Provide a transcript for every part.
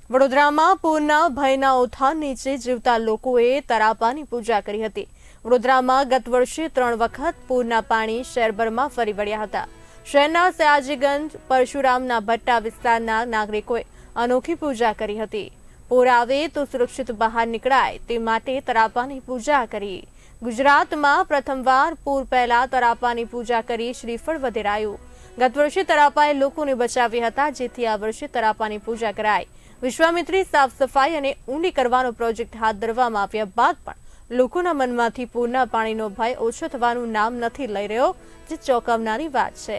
વડોદરામાં પૂરના ભયના ઓથાર નીચે જીવતા લોકોએ તરાપાની પૂજા કરી હતી। વડોદરામાં ગત વર્ષે 3 વખત પૂરના પાણી શહેરભરમાં ફરી વળ્યા હતા। શહેરના સયાજીગંજ પરશુરામના ભટ્ટા વિસ્તારના નાગરિકોએ અનોખી પૂજા કરી હતી। પૂર આવે તો સુરક્ષિત બહાર નીકળાય તે માટે તરાપાની પૂજા કરી। ગુજરાતમાં પ્રથમવાર પૂર પહેલા તરાપાની પૂજા કરી શ્રીફળ વધેરાયું। ગત વર્ષે તરાપાએ લોકોને બચાવ્યા હતા, જેથી આ વર્ષે તરાપાની પૂજા કરાઈ। વિશ્વામિત્રી સાફ સફાઈ અને ઊંડી કરવાનો પ્રોજેક્ટ હાથ ધરવામાં આવ્યા બાદ પણ લોકોના મનમાંથી પૂરના પાણીનો ભય ઓછો થવાનું નામ નથી લઈ રહ્યો, જે ચોંકાવનારી વાત છે।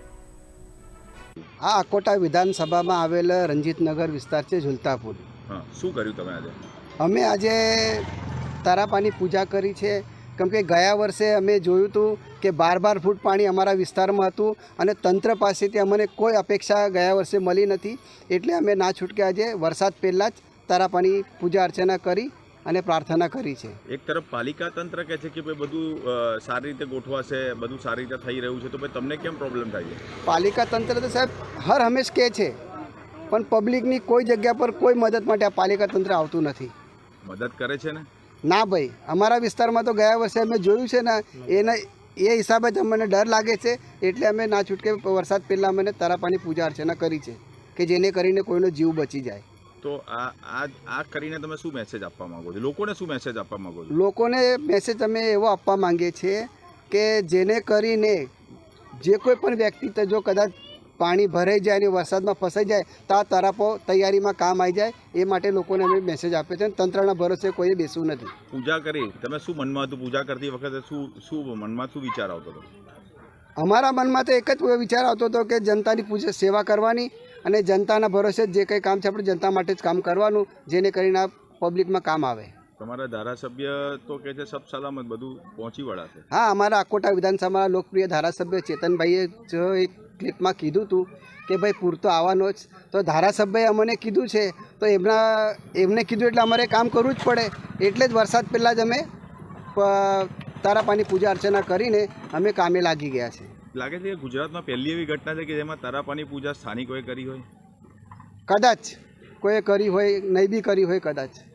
આ અકોટા વિધાનસભામાં આવેલ રંજીતનગર વિસ્તાર છે, ઝુલતાપુર। શું કર્યું તમે આજે? અમે આજે તારાપાની પૂજા કરી છે, કેમ કે ગયા વર્ષે અમે જોયું હતું કે 12 ફૂટ પાણી અમારા વિસ્તારમાં હતું અને તંત્ર પાસેથી અમને કોઈ અપેક્ષા ગયા વર્ષે મળી નથી, એટલે અમે ના છૂટકે આજે વરસાદ પહેલાં જ તારાપાની પૂજા અર્ચના કરી અને પ્રાર્થના કરી છે। એક તરફ પાલિકા તંત્ર કહે છે કે ભાઈ બધું સારી રીતે ગોઠવાશે, બધું સારી રીતે થઈ રહ્યું છે, તો ભાઈ તમને કેમ પ્રોબ્લેમ થાય છે? પાલિકા તંત્ર તો સાહેબ હર હંમેશ કહે છે, પણ પબ્લિકની કોઈ જગ્યા પર કોઈ મદદ માટે આ પાલિકા તંત્ર આવતું નથી। મદદ કરે છે ને? ના ભાઈ, અમારા વિસ્તારમાં તો ગયા વર્ષે અમે જોયું છે ને, એ હિસાબે જ અમને ડર લાગે છે, એટલે અમે ના છૂટકે વરસાદ પહેલાં અમે તારાપાની પૂજા અર્ચના કરી છે કે જેને કરીને કોઈનો જીવ બચી જાય। તો આ કરીને તમે શું મેસેજ આપવા માંગો છો? લોકોને શું મેસેજ આપવા માંગો છો? લોકોને મેસેજ અમે એવો આપવા માંગીએ છીએ કે જેને કરીને જે કોઈ પણ વ્યક્તિ જો કદાચ પાણી ભરાઈ જાય અને વરસાદમાં ફસાઈ જાય તો આ તરાપો તૈયારીમાં કામ આવી જાય, એ માટે લોકોને અમે મેસેજ આપીએ છીએ। તંત્રના ભરોસે કોઈએ બેસવું નથી। પૂજા કરી તમે શું મનમાં હતું? પૂજા કરતી વખતે શું મનમાં શું વિચાર આવતો હતો? અમારા મનમાં તો એક જ વિચાર આવતો હતો કે જનતાની પૂજા સેવા કરવાની અને જનતાના ભરોસે જે કંઈ કામ છે આપણે જનતા માટે જ કામ કરવાનું, જેને કરીને આ પબ્લિકમાં કામ આવે। તમારા ધારાસભ્ય તો કહે છે સબ સલામત બધું પહોંચી વળાશે? હા, અમારા અકોટા વિધાનસભાના લોકપ્રિય ધારાસભ્ય ચેતનભાઈએ જો એક ક્લિપમાં કીધું હતું કે ભાઈ પૂર તો આવવાનો જ, તો ધારાસભ્યએ અમને કીધું છે તો એમને કીધું એટલે અમારે કામ કરવું જ પડે, એટલે જ વરસાદ પહેલાં જ અમે તારાપાની પૂજા અર્ચના કરીને અમે કામે લાગી ગયા છે। લાગે છે કે ગુજરાતમાં પહેલી એવી ઘટના છે કે જેમાં તારાપાની પૂજા સ્થાનિકોએ કરી હોય? કદાચ કોઈએ કરી હોય, નહીં બી કરી હોય કદાચ।